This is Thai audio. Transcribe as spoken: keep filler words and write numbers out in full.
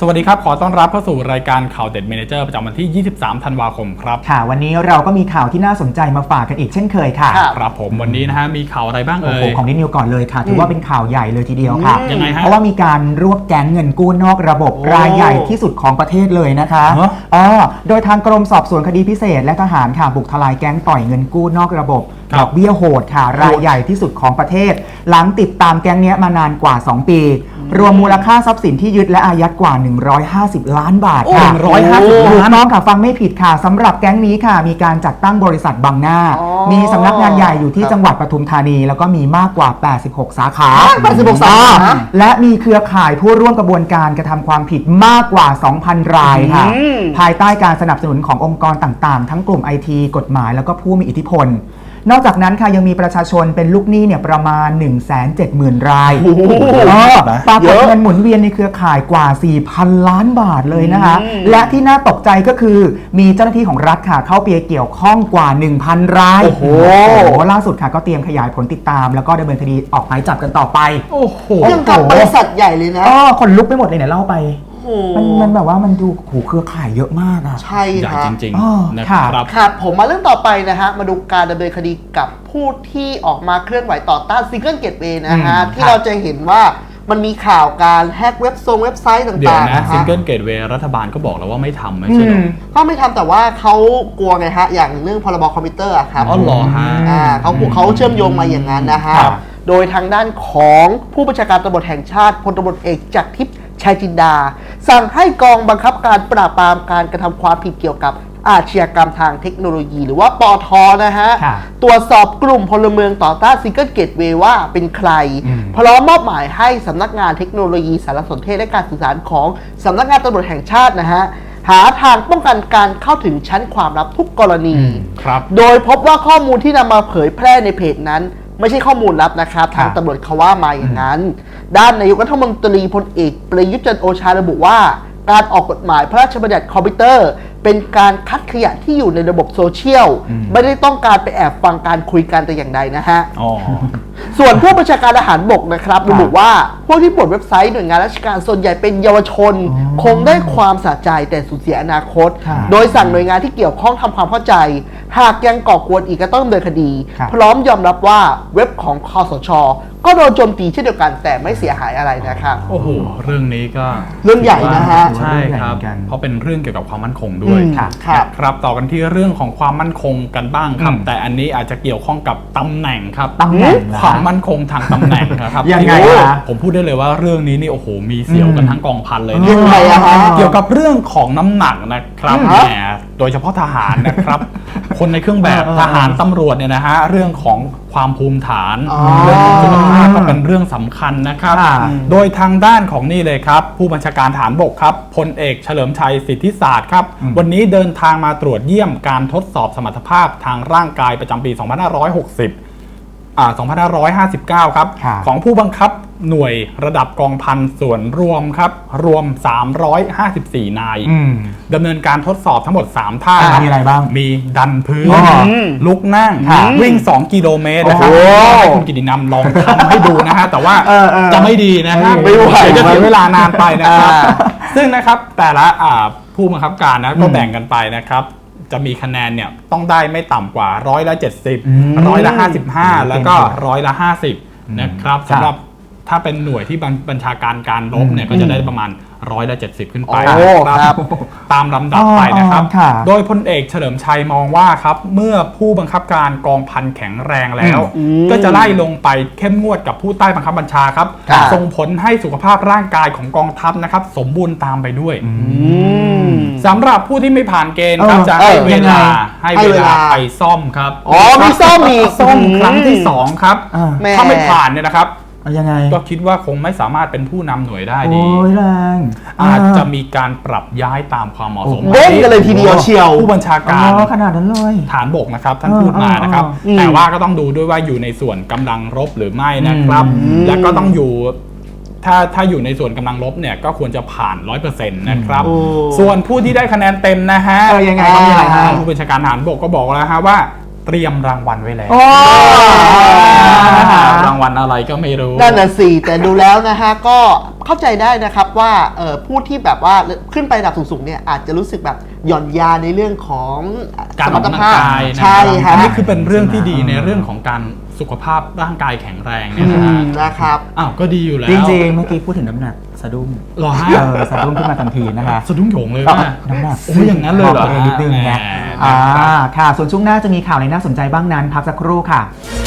สวัสดีครับขอต้อนรับเข้าสู่รายการข่าวเด็ดเมเนเจอร์ประจำวันที่ยี่สิบสามธันวาคมครับค่ะวันนี้เราก็มีข่าวที่น่าสนใจมาฝากกันอีกเช่นเคยค่ะครับผมวันนี้นะฮะมีข่าวอะไรบ้างเอ่ยของนินิวก่อนเลยค่ะถือว่าเป็นข่าวใหญ่เลยทีเดียวค่ะยังไงฮะเพราะว่ามีการรวบแก๊งเงินกู้นอกระบบรายใหญ่ที่สุดของประเทศเลยนะคะอ๋อโดยทางกรมสอบสวนคดีพิเศษและทหารค่ะบุกทลายแก๊งต่อยเงินกู้นอกระบบดอกเบี้ยโหดค่ะรายใหญ่ที่สุดของประเทศหลังติดตามแก๊งนี้มานานกว่าสองปีรวมมูลค่าทรัพย์สินที่ยึดและอายัดกว่าหนึ่งร้อยห้าสิบล้านบาทค่ะหนึ่งร้อยห้าสิบล้านน้องค่ะฟังไม่ผิดค่ะสำหรับแก๊งนี้ค่ะมีการจัดตั้งบริษัทบังหน้ามีสำนักงานใหญ่อยู่ที่จังหวัดปทุมธานีแล้วก็มีมากกว่าแปดสิบหกสาขาแปดสิบหกสาขาและมีเครือข่ายผู้ร่วมกระบวนการกระทำความผิดมากกว่า สองพัน รายค่ะภายใต้การสนับสนุนขององค์กรต่างๆทั้งกลุ่ม ไอ ที กฎหมายแล้วก็ผู้มีอิทธิพลนอกจากนั้นค่ะยังมีประชาชนเป็นลูกหนี้เนี่ยประมาณ หนึ่งแสนเจ็ดหมื่น รายปรากฏเงินหมุนเวียนในเครือข่ายกว่า สี่พัน ล้านบาทเลยนะคะและที่น่าตกใจก็คือมีเจ้าหน้าที่ของรัฐค่ะเข้าไปเกี่ยวข้องกว่า หนึ่งพัน รายโอ้โหล่าสุดค่ะก็เตรียมขยายผลติดตามแล้วก็ดำเนินคดีออกหมายจับกันต่อไปโอ้โหยังกับบริษัทใหญ่เลยนะอ๋อคนลุกไปหมดเลยเนี่ยเล่าไปมันมันแบบว่ามันดูโหเครือข่ายเยอะมากอ่ะใช่ค่ะจริงๆนะครับครับผมมาเรื่องต่อไปนะฮะมาดูการดำเนินคดีกับผู้ที่ออกมาเคลื่อนไหวต่อต้านซิงเกิลเกตเวย์นะฮะที่เราจะเห็นว่ามันมีข่าวการแฮกเว็บโซงเว็บไซต์ต่างๆเดี๋ยวนะซิงเกิลเกตเวย์รัฐบาลก็บอกแล้วว่าไม่ทำไม่ใช่หรอก็ไม่ทำแต่ว่าเขากลัวไงฮะอย่างเรื่องพรบคอมพิวเตอร์ครับอ๋อเหรอฮะอ่าเขาเขาเชื่อมโยงมาอย่างนั้นนะฮะโดยทางด้านของผู้บัญชาการตำรวจแห่งชาติพลตำรวจเอกจากทิพย์ชัยจินดาสั่งให้กองบังคับการปราบปรามการกระทำความผิดเกี่ยวกับอาชญากรรมทางเทคโนโลยีหรือว่าปท.นะฮะตรวจสอบกลุ่มพลเมืองต่อต้านซิงเกิลเกตเวย์ว่าเป็นใครพร้อมมอบหมายให้สำนักงานเทคโนโลยีสารสนเทศและการสื่อสารของสำนักงานตำรวจแห่งชาตินะฮะหาทางป้องกันการเข้าถึงชั้นความลับทุกกรณีโดยพบว่าข้อมูลที่นำมาเผยแพร่ในเพจนั้นไม่ใช่ข้อมูลลับนะครับทางตำรวจเขาว่ามาอย่างนั้นด้านนายกรัฐมนตรีพลเอกประยุทธ์จันทร์โอชาระบุว่าการออกกฎหมายพระราชบัญญัติคอมพิวเตอร์เป็นการคัดขยะที่อยู่ในระบบโซเชียลไม่ได้ต้องการไปแอบฟังการคุยกันแต่อย่างใดนะฮะส่วนผู้บัญชาการทหารบกนะครับระบุว่าพวกที่ปลดเว็บไซต์หน่วยงานราชการส่วนใหญ่เป็นเยาวชนคงได้ความสะใจแต่สูญเสียอนาคตโดยสั่งหน่วยงานที่เกี่ยวข้องทำความเข้าใจหากยังก่อกวนอีกก็ต้องดำเนินคดีพร้อมยอมรับว่าเว็บของคสช.ก็โดนโจมตีเช่นเดียวกันแต่ไม่เสียหายอะไรนะครับโอ้โหเรื่องนี้ก็เรื่องใหญ่นะฮะใช่ครับเพราะเป็นเรื่องเกี่ยวกับความมั่นคงด้วยครับต่อกันที่เรื่องของความมั่นคงกันบ้างครับแต่อันนี้อาจจะเกี่ยวข้องกับตำแหน่งครับตำแหน่งความมั่นคงทางตำแหน่งครับยังไงนะผมพูดได้เลยว่าเรื่องนี้นี่โอ้โหมีเสียวกันทั้งกองพันเลยนะยังไงอะฮะเกี่ยวกับเรื่องของน้ำหนักนะครับแหมโดยเฉพาะทหารนะครับคนในเครื่องแบบทหารตำรวจเนี่ยนะฮะเรื่องของความภูมิฐานเรื่องของสุขภาพก็เป็นเรื่องสำคัญนะครับโดยทางด้านของนี่เลยครับผู้บัญชาการทหารบกครับพลเอกเฉลิมชัยสิทธิศาสตร์ครับวันนี้เดินทางมาตรวจเยี่ยมการทดสอบสมรรถภาพทางร่างกายประจำปีสองพันห้าร้อยหกสิบอ่าสองพันห้าร้อยห้าสิบเก้าครับของผู้บังคับหน่วยระดับกองพันส่วนรวมครับรวมสามร้อยห้าสิบสี่นายดำเนินการทดสอบทั้งหมดสามท่ามีอะไรบ้างมีดันพื้นลุกนั่งวิ่งสองกิโลเมตรนะครับให้คุณกิตินำลองทำให้ดูนะฮะแต่ว่าจะไม่ดีนะฮะไม่ไหวจะเสียเวลานานไปนะครับซึ่งนะครับแต่ละผู้บังคับการนะก็แบ่งกันไปนะครับจะมีคะแนนเนี่ยต้องได้ไม่ต่ำกว่าร้อยละเจ็ดสิบร้อยละห้าสิบห้าแล้วก็ร้อยละห้าสิบนะครับสำหรับถ้าเป็นหน่วยที่บัญชาการการรบเนี่ยก็จะได้ประมาณร้อยละเจ็ดสิบขึ้นไปครับตามลำดับไปนะครับโดยพลเอกเฉลิมชัยมองว่าครับเมื่อผู้บังคับการกองพันแข็งแรงแล้วก็จะไล่ลงไปเข้มงวดกับผู้ใต้บังคับบัญชาครับส่งผลให้สุขภาพร่างกายของกองทัพนะครับสมบูรณ์ตามไปด้วยสำหรับผู้ที่ไม่ผ่านเกณฑ์ครับจะให้เวลาให้เวลาไปซ่อมครับอ๋อมีซ่อมอีกซ่อมครั้งที่สองครับถ้าไม่ผ่านเนี่ยนะครับยังไงก็คิดว่าคงไม่สามารถเป็นผู้นำหน่วยได้ดีโอ้ยแรงอาจจะมีการปรับย้ายตามความเหมาะสมเด้งกันเลยทีเดียวเชียวผู้บัญชาการขนาดนั้นเลยฐานบกนะครับท่านพูดมานะครับแต่ว่าก็ต้องดูด้วยว่าอยู่ในส่วนกำลังรบหรือไม่นะครับและก็ต้องอยู่ถ้าถ้าอยู่ในส่วนกำลังลบเนี่ยก็ควรจะผ่าน ร้อยเปอร์เซ็นต์ นะครับส่วนผู้ที่ได้คะแนนเต็มนะฮะยังไงก็มีอะไรฮะผู้บัญชาการฐานบกก็บอกแล้วฮะว่าเตรียมรางวัลไว้แล้วรางวัลอะไรก็ไม่รู้นั่นน่ะสิแต่ดูแล้วนะฮะก็เข้าใจได้นะครับว่าเอ่อผู้ที่แบบว่าขึ้นไประดับสูงๆเนี่ยอาจจะรู้สึกแบบหย่อนยานในเรื่องของการออกกำลังกายนะใช่คฮะรับอันนี้คือเป็นเรื่องที่ดีในเรื่องของการสุขภาพร่างกายแข็งแรงเนี่ยนะอืฮะมนะครับอ้าวก็ดีอยู่แล้วจริงๆ เมื่อกี้พูดถึงน้ำหนักสะดุ้งเหรอฮะเออสะดุ้งขึ้นมาทันทีนะคะสะดุ้งโหยงเลยก็ว่าน้ำหนักโอ้ยอย่างนั้นเลยเหรอบกตัวเองนิดนึงแหมไงอ่าค่ะ ส่วนช่วงหน้าจะมีข่าวอะไรน่าสนใจบ้างนั้น พักสักครู่ค่ะ